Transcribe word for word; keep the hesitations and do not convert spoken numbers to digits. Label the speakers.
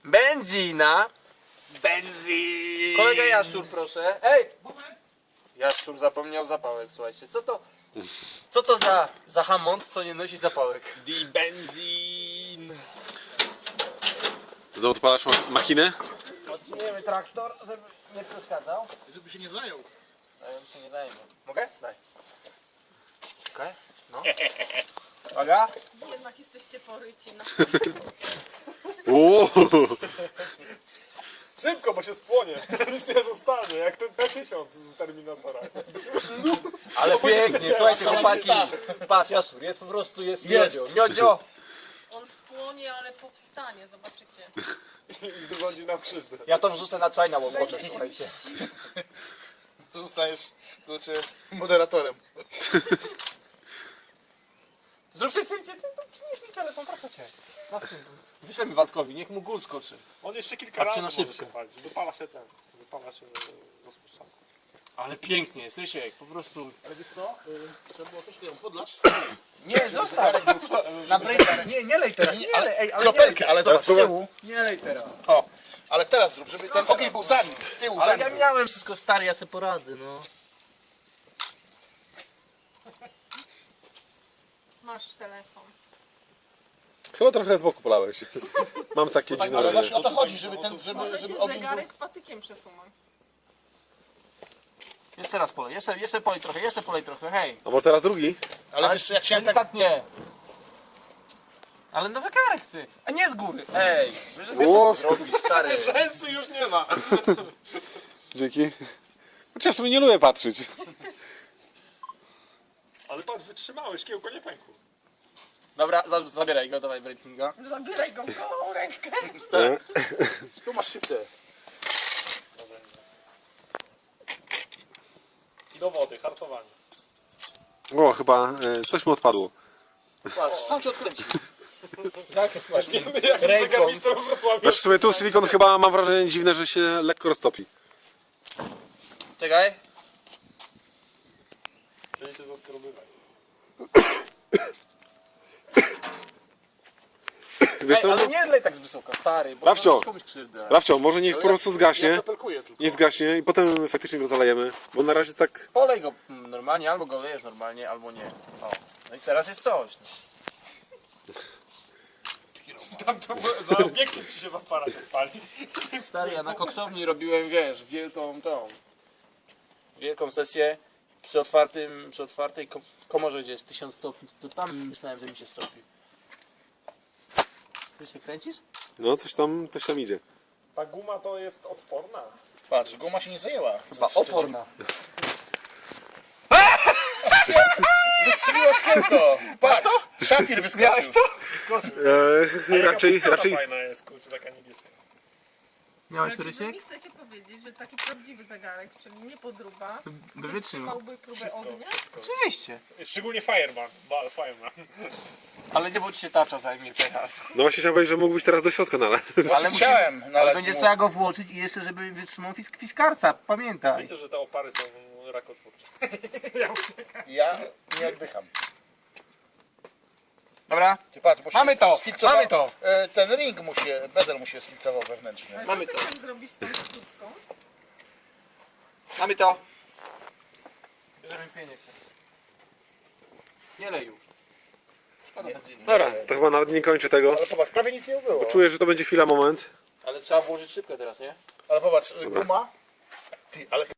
Speaker 1: Benzina.
Speaker 2: Benzin!
Speaker 1: Kolega Jaszczur, proszę. Ej! Jaszczur zapomniał zapałek, słuchajcie. Co to, co to za, za hamont, co nie nosi zapałek?
Speaker 2: Die Benzin!
Speaker 3: Znowu odpalasz ma machinę?
Speaker 1: Odsuniemy traktor, żeby nie przeszkadzał.
Speaker 2: Żeby się nie zajął.
Speaker 1: A ja się nie zajmę. Mogę? Daj. Okej, no. Uwaga.
Speaker 4: Jednak jesteście poryci na...
Speaker 3: Uuu.
Speaker 2: Szybko, bo się spłonie. Nic nie zostanie, jak ten P tysiąc z Terminatora.
Speaker 1: Ale pięknie, słuchajcie chłopaki. Patrz, Jaszczur, jest po prostu, jest
Speaker 2: Jest.
Speaker 1: miodzio. Miodzio.
Speaker 4: On spłonie, ale powstanie, zobaczycie.
Speaker 2: I wyrządzi nam krzywdę.
Speaker 1: Ja to wrzucę na czaj na łomocze,
Speaker 4: Będzie się
Speaker 1: słuchajcie.
Speaker 4: mścić.
Speaker 5: Zostajesz, kurczę, moderatorem.
Speaker 1: Zróbcie zdjęcie, ty to przynieś mi telefon, proszę cię. Wyślemy Waldkowi, niech mu gól skoczy.
Speaker 2: On jeszcze kilka
Speaker 1: Patrzcie
Speaker 2: razy
Speaker 1: na
Speaker 2: może
Speaker 1: szybkę.
Speaker 2: się palić. Wypala się ten. Wypala się rozpuszczalny.
Speaker 1: Ale pięknie jest, Rysiek, po prostu.
Speaker 5: Ale wiesz co? Y, Trzeba było troszkę ją podlać.
Speaker 1: Nie, zostaw. Na break, nie, nie lej teraz, nie lej, ej, ale nie lej,
Speaker 5: Kropelkę, ale zobacz, z tyłu.
Speaker 1: nie lej teraz.
Speaker 5: O, ale teraz zrób, żeby ten ogień był za nim, z tyłu, za
Speaker 1: Ale
Speaker 5: nim.
Speaker 1: ja miałem wszystko stary, ja se poradzę, no.
Speaker 4: Masz telefon.
Speaker 3: Chyba trochę z boku polałeś. Mam takie dziwne
Speaker 5: Ale
Speaker 3: wrażenie.
Speaker 5: właśnie o to chodzi, żeby ten, żeby,
Speaker 4: Możecie
Speaker 5: żeby ogień był...
Speaker 4: zegarek patykiem przesunąć.
Speaker 1: Jeszcze raz polej, jeszcze, jeszcze polej trochę, jeszcze polej trochę, hej.
Speaker 3: A może teraz drugi?
Speaker 5: Ale wiesz, jak chciałem tak...
Speaker 1: Delikatnie. Ale na zegarek ty, a nie z góry. Ej, wiesz, że wiesz
Speaker 3: O,
Speaker 1: co zrobić, stary.
Speaker 2: Rzęsy już nie ma.
Speaker 3: Dzięki. Znaczy ja sobie nie lubię patrzeć.
Speaker 2: Ale patrz, wytrzymałeś, kiełko nie pękło.
Speaker 1: Dobra, za, zabieraj go, dawaj Breitlinga.
Speaker 4: Zabieraj go w gołą rękę.
Speaker 5: Tu masz szybce.
Speaker 2: Do wody, hartowanie.
Speaker 3: O, chyba e, coś mu odpadło.
Speaker 5: Patrz, sam się odkręci.
Speaker 1: Tak, właśnie.
Speaker 2: Wiemy jak
Speaker 1: Ręką.
Speaker 2: zegarmistrz we Wrocławiu.
Speaker 3: Znaczy w sumie tu silikon chyba mam wrażenie dziwne, że się lekko roztopi.
Speaker 1: Czekaj.
Speaker 2: Będzie się zaskrobywać.
Speaker 3: Wiesz
Speaker 1: Ej,
Speaker 3: co?
Speaker 1: ale nie lej tak z wysoka, stary, bo
Speaker 3: Rafcio.
Speaker 1: zrobisz komuś krzywdę.
Speaker 3: Rafcio, może niech po prostu
Speaker 5: Ja
Speaker 3: zgaśnie.
Speaker 5: kropelkuję tylko.
Speaker 3: Niech zgaśnie i potem faktycznie go zalejemy. Bo na razie tak...
Speaker 1: Polej go mm, normalnie, albo go lejesz normalnie, albo nie. O. No i teraz jest coś.
Speaker 2: Tam to za obiektyw ci się w aparacie spali.
Speaker 1: Stary, ja na koksowni robiłem, wiesz, wielką tą, wielką sesję przy otwartym, przy otwartej ko- komorze, gdzie jest tysiąc stopni, to tam myślałem, że mi się stropi. Ty się kręcisz?
Speaker 3: No coś tam, coś tam idzie.
Speaker 2: Ta guma to jest odporna.
Speaker 5: Patrz, guma się nie zajęła.
Speaker 1: Chyba oporna.
Speaker 5: Wystrzeliło szkiełko. Patrz, szafir wyskoczył.
Speaker 3: E, raczej,
Speaker 2: Taka
Speaker 3: raczej...
Speaker 2: fajna jest, kurczę, taka niebieska.
Speaker 1: Miałeś
Speaker 4: Czy
Speaker 1: Rysiek?
Speaker 4: mi chcecie powiedzieć, że taki prawdziwy zegarek, czyli nie podróba,
Speaker 1: By wytrzymał.
Speaker 4: małby próbę
Speaker 2: Wszystko,
Speaker 4: ognia?
Speaker 2: wszystko.
Speaker 1: Oczywiście.
Speaker 2: Szczególnie Fireman, bal Fireman.
Speaker 1: Ale nie bądź się tacza zajmie teraz.
Speaker 3: No właśnie chciałem powiedzieć, że mógł być teraz do środka nalać.
Speaker 1: Ale, musi,
Speaker 5: Chciałem
Speaker 1: ale
Speaker 5: nalać
Speaker 1: będzie
Speaker 5: mu.
Speaker 1: trzeba go włożyć i jeszcze, żeby wytrzymał fisk, fiskarca, pamiętaj.
Speaker 2: Widzę, że te opary są rakotwórcze.
Speaker 5: Ja nie oddycham.
Speaker 1: Dobra,
Speaker 5: Ty patrz, bo się
Speaker 1: Mamy to,
Speaker 5: sfilcował-
Speaker 1: mamy to.
Speaker 5: e, Ten ring mu się, bezel mu się sfilcował wewnętrzny.
Speaker 4: Ale
Speaker 1: Mamy
Speaker 4: co
Speaker 1: to.
Speaker 4: ty chcesz zrobić tą krótką?
Speaker 1: mamy to. Bierzemy pieniek. Nie lej już. Szkoda benzyny.
Speaker 3: Dobra, to chyba nawet nie kończę tego.
Speaker 5: Ale popatrz, prawie nic nie było.
Speaker 3: Czuję, że to będzie chwila, moment.
Speaker 1: Ale trzeba włożyć szybko teraz, nie?
Speaker 5: Ale popatrz, y, guma. Ty, ale